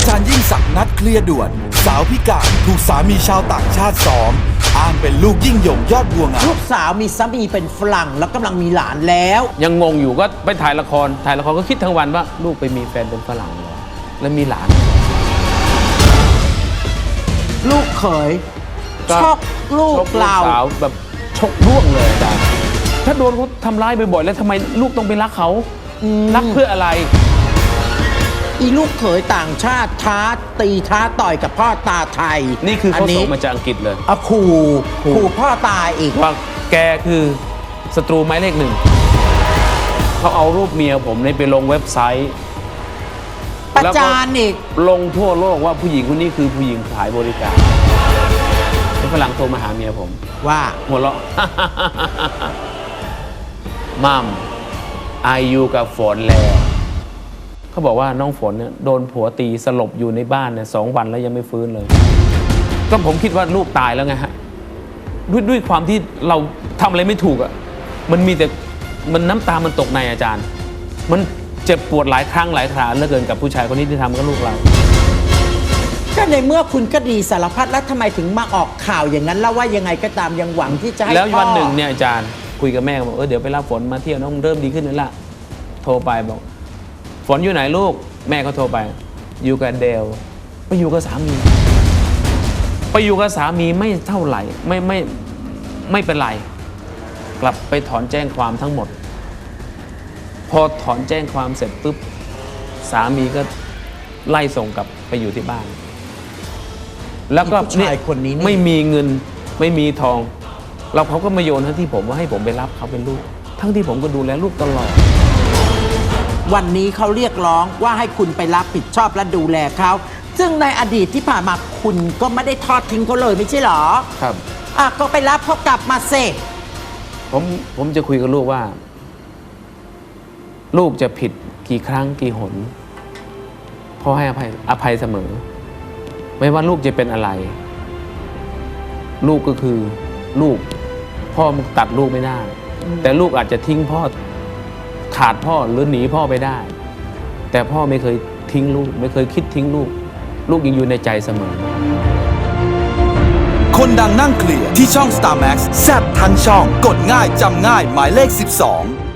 จารย์ยิ่งศักดิ์นัดเคลียร์ด่วนสาวพิการถูกสามีชาวต่างชาติซ้อมอ้างเป็นลูกยิ่งยงยอดบัวงามลูกสาวมีสามีเป็นฝรั่งแล้วกำลังมีหลานแล้วยังงงอยู่ก็ไปถ่ายละครก็คิดทั้งวันว่าลูกไปมีแฟนเป็นฝรั่งเหรอแล้วมีหลานลูกเขยก็ชอบลูกเราสาวแบบชกร่วงเลยอาจารย์ถ้าโดนเขาทำร้ายบ่อยๆแล้วทำไมลูกต้องไปรักเขารักเพื่ออะไรอีลูกเขยต่างชาติท้าตีท้าต่อยกับพ่อตาไทยนี่คือเขาส่งมาจากอังกฤษเลยขู่พ่อตาอีกว่าแกคือศัตรูหมายเลขหนึ่งเขาเอารูปเมียผมไปลงเว็บไซต์ประจานอีกลงทั่วโลกว่าผู้หญิงคนนี้คือผู้หญิงขายบริการฝรั่งโทรมาหาเมียผมว่าหัวเราะ มัมอายุกับฝนแล้วเขาบอกว่าน้องฝนเนี่ยโดนผัวตีสลบอยู่ในบ้านเนี่ย2 วันแล้วยังไม่ฟื้นเลย ก็ผมคิดว่าลูกตายแล้วไงฮะด้วยความที่เราทำอะไรไม่ถูกอ่ะมันมีแต่มันน้ำตามันตกในอาจารย์ มันเจ็บปวดหลายครั้งหลายคราเหลือเกินกับผู้ชายคนนี้ที่ทำกับลูกเราก็ในเมื่อคุณก็ดีสารพัดแล้วทำไมถึงมาออกข่าวอย่างนั้นแล้วว่ายังไงก็ตามยังหวังที่จะให้แล้วพ่อวันหนึ่งเนี่ยอาจารย์คุยกับแม่บอกเดี๋ยวไปรับฝนมาเที่ยวน้องเริ่มดีขึ้นแล้วล่ะโทรไปบอกฝนอยู่ไหนลูกแม่เขาโทรไปอยู่กับเดลไปอยู่กับสามีไม่เท่าไหร่ไม่เป็นไรกลับไปถอนแจ้งความทั้งหมดพอถอนแจ้งความเสร็จปุ๊บสามีก็ไล่ส่งกลับไปอยู่ที่บ้านแล้วก็ผู้ชายคนนี้ไม่มีเงินไม่มีทองเราเขาก็มาโยนทั้งที่ผมว่าให้ผมไปรับเขาเป็นลูกทั้งที่ผมก็ดูแลลูกตลอดวันนี้เขาเรียกร้องว่าให้คุณไปรับผิดชอบและดูแลเขาซึ่งในอดีตที่ผ่านมาคุณก็ไม่ได้ทอดทิ้งเขาเลยไม่ใช่หรอครับก็ไปรับเขากลับมาเสร็จผมจะคุยกับลูกว่า ลูกจะผิดกี่ครั้งกี่หนพ่อให้อภัยเสมอ ไม่ว่าลูกจะเป็นอะไร ลูกก็คือลูกพ่อมันตัดลูกไม่ได้ แต่ลูกอาจจะทิ้งพ่อขาดพ่อหรือหนีพ่อไปได้ แต่พ่อไม่เคยทิ้งลูกไม่เคยคิดทิ้งลูกลูกยังอยู่ในใจเสมอคนดังนั่งเคลียร์ที่ช่อง Star Max แซ่บทั้งช่องกดง่ายจำง่ายหมายเลข 12